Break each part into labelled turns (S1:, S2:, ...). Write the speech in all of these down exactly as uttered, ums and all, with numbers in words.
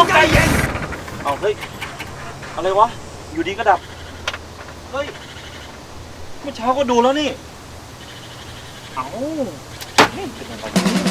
S1: องใจเย็นเอาเฮ้ยอะไรวะอยู่ดีก็ดับเฮ้ยเมื่อเช้าก็ดูแล้วนี่เอาเป็นอะไร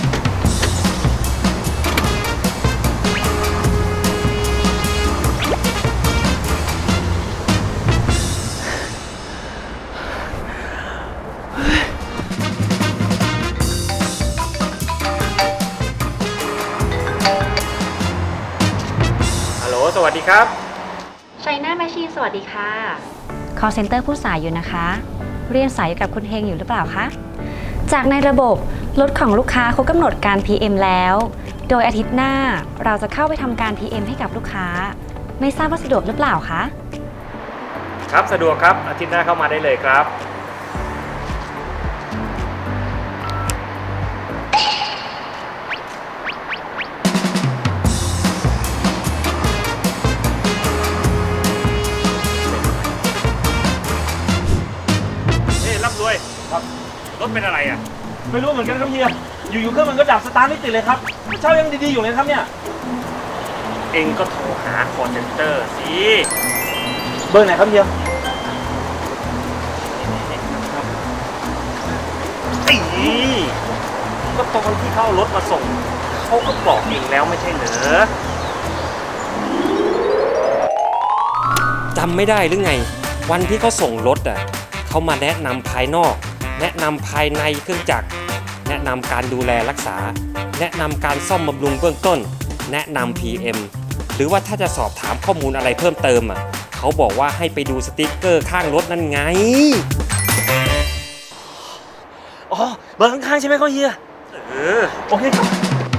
S2: สวัสดีครับ
S3: China Machine สวัสดีค่ะ Call Center ผู้สายอยู่นะคะ เรียนสายกับคุณเฮงอยู่หรือเปล่าคะ จากในระบบรถของลูกค้าเขากำหนดการ พี เอ็ม แล้ว โดยอาทิตย์หน้าเราจะเข้าไปทำการ พี เอ็ม ให้กับลูกค้า ไม่ทราบว่าสะดวกหรือเปล่าคะ
S2: ครับสะดวกครับอาทิตย์หน้าเข้ามาได้เลยครับด้วยครับรถเป็นอะไรอ่ะ
S1: ไม่รู้เหมือนกันครับเฮียอยู่ๆเครื่องมันก็ดับสตาร์ทไม่ติดเลยครับเช้ายังดีๆอยู่เลยครับเนี่ย
S2: เองก็โทรหาคอลเซ็นเตอร์สิ
S1: เบอร์ไหนครับเฮีย
S2: ไอ้ก็ตอนที่เขาเอารถมาส่งเขาก็บอกเองแล้วไม่ใช่เหรอจำไม่ได้หรือไงวันที่เขาส่งรถอ่ะเขามาแนะนำภายนอกแนะนำภายในเครื่องจักรแนะนำการดูแลรักษาแนะนำการซ่อมบำรุงเบื้องต้นแนะนำ พี เอ็ม หรือว่าถ้าจะสอบถามข้อมูลอะไรเพิ่มเติมอ่ะเขาบอกว่าให้ไปดูสติ๊กเกอร์ข้างรถนั่นไง
S1: อ๋อเบอร์ข้างๆใช่ไหมครับเฮีย
S2: เออ
S1: โอเคครับ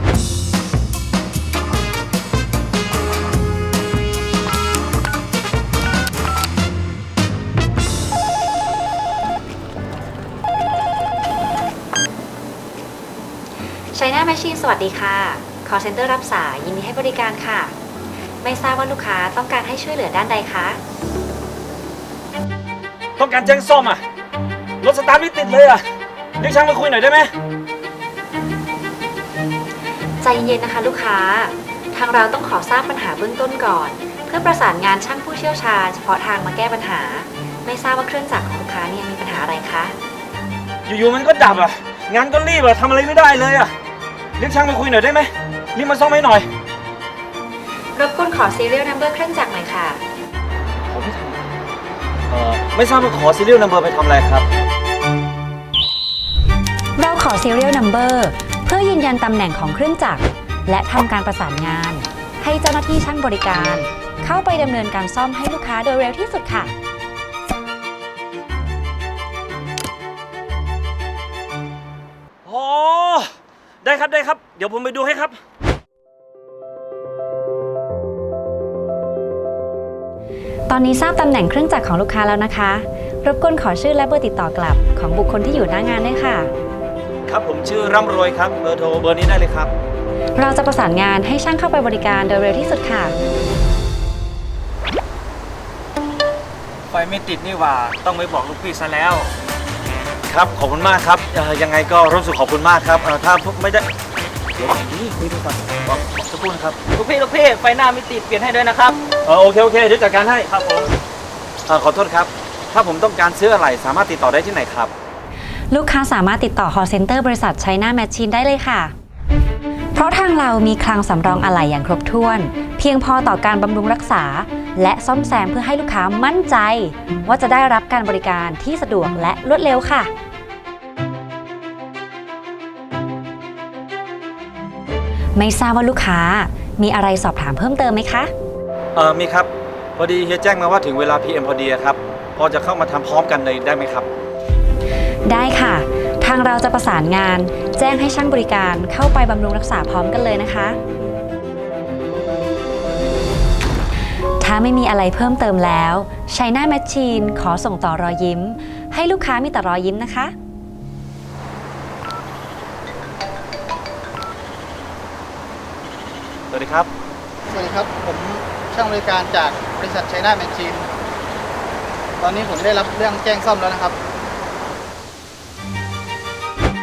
S3: China Machine สวัสดีค่ะ Call Center รับสายยินดีให้บริการค่ะ ไม่ทราบว่าลูกค้าต้องการให้ช่วยเหลือด้านใดคะ
S1: ต้องการแจ้งซ่อมอ่ะรถสตาร์ทไม่ติดเลยอ่ะเรียกช่างมาคุยหน่อยได้ไหม
S3: ใจเย็นๆนะคะลูกค้าทางเราต้องขอทราบปัญหาเบื้องต้นก่อนเพื่อประสานงานช่างผู้เชี่ยวชาญเฉพาะทางมาแก้ปัญหาไม่ทราบว่าเครื่องจักรของลูกค้าเนี่ยมีปัญหาอะไรคะ
S1: อยู่ๆมันก็ดับอ่ะงานก็รีบอ่ะทำอะไรไม่ได้เลยอ่ะเรียกช่างมาคุยหน่อยได้ไหมรีบมาซ่อมให้หน่อย
S3: รบกวนขอ serial number เครื่องจักรหน่อยค่ะ
S1: ขอไม่ทำเอ่อไม่ทราบว่าขอ serial number ไปทำอะไรครับ
S3: เราขอ serial number เพื่อยืนยันตำแหน่งของเครื่องจักรและทำการประสานงานให้เจ้าหน้าที่ช่างบริการเข้าไปดำเนินการซ่อมให้ลูกค้าโดยเร็วที่สุดค่ะ
S1: อ๋อได้ครับได้ครับเดี๋ยวผมไปดูให้ครับ
S3: ตอนนี้ทราบตำแหน่งเครื่องจักรของลูกค้าแล้วนะคะรบกวนขอชื่อและเบอร์ติดต่อกลับของบุคคลที่อยู่หน้างานด้วยค่ะ
S1: ครับผมชื่อร่ำรวยครับเบอร์โทรเบอร์นี้ได้เลยครับ
S3: เราจะประสานงานให้ช่างเข้าไปบริการโดยเร็วที่สุดค่ะ
S2: ไฟไม่ติดนี่หว่าต้องไปบอกลูกพี่ซะแล้ว
S1: ครับขอบคุณมากครับยังไงก็รู้สึกขอบคุณมากครับถ้าไม่ได้เดี๋ยวนี่คุยดูก่อนบอกสักครู่นะครับ
S4: ลูกพี่ลูกพี่ไฟหน้าไม่ติดเปลี่ยนให้ด้วยนะครับ
S1: เออโอเคโอเคเดี๋ยวจัดการให้
S2: ครับผม
S1: ขอโทษครับถ้าผมต้องการซื้ออะไรสามารถติดต่อได้ที่ไหนครับ
S3: ลูกค้าสามารถติดต่อ call center บริษัท China Machine ได้เลยค่ะเพราะทางเรามีคลังสำรองอะไหล่อย่างครบถ้วนเพียงพอต่อการบำรุงรักษาและซ่อมแซมเพื่อให้ลูกค้ามั่นใจว่าจะได้รับการบริการที่สะดวกและรวดเร็วค่ะไม่ทราบว่าลูกค้ามีอะไรสอบถามเพิ่มเติมไหมคะ
S1: เออมีครับพอดีเฮียแจ้งมาว่าถึงเวลา พี เอ็ม พอดีครับพอจะเข้ามาทำพร้อมกันเลยได้ไหมครับ
S3: ได้ค่ะทางเราจะประสานงานแจ้งให้ช่างบริการเข้าไปบำรุงรักษาพร้อมกันเลยนะคะถ้าไม่มีอะไรเพิ่มเติมแล้ว China Machine ขอส่งต่อรอยยิ้มให้ลูกค้ามีแต่รอยยิ้มนะคะ
S1: สวัสดีครับ
S5: สวัสดีครับผมช่างบริการจากบริษัท China Machine ตอนนี้ผมได้รับเรื่องแจ้งซ่อมแล้วนะครับ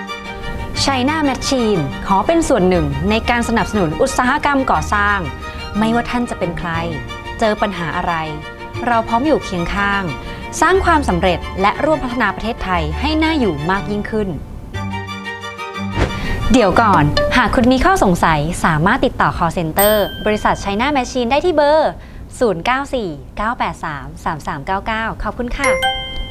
S3: China Machine ขอเป็นส่วนหนึ่งในการสนับสนุนอุตสาหกรรมก่อสร้างไม่ว่าท่านจะเป็นใคร เจอปัญหาอะไร เราพร้อมอยู่เคียงข้าง สร้างความสำเร็จและร่วมพัฒนาประเทศไทยให้น่าอยู่มากยิ่งขึ้น เดี๋ยวก่อน หากคุณมีข้อสงสัยสามารถติดต่อ call center บริษัท China Machine ได้ที่เบอร์ ศูนย์ เก้า สี่ เก้า แปด สาม สาม สาม เก้า เก้า ขอบคุณค่ะ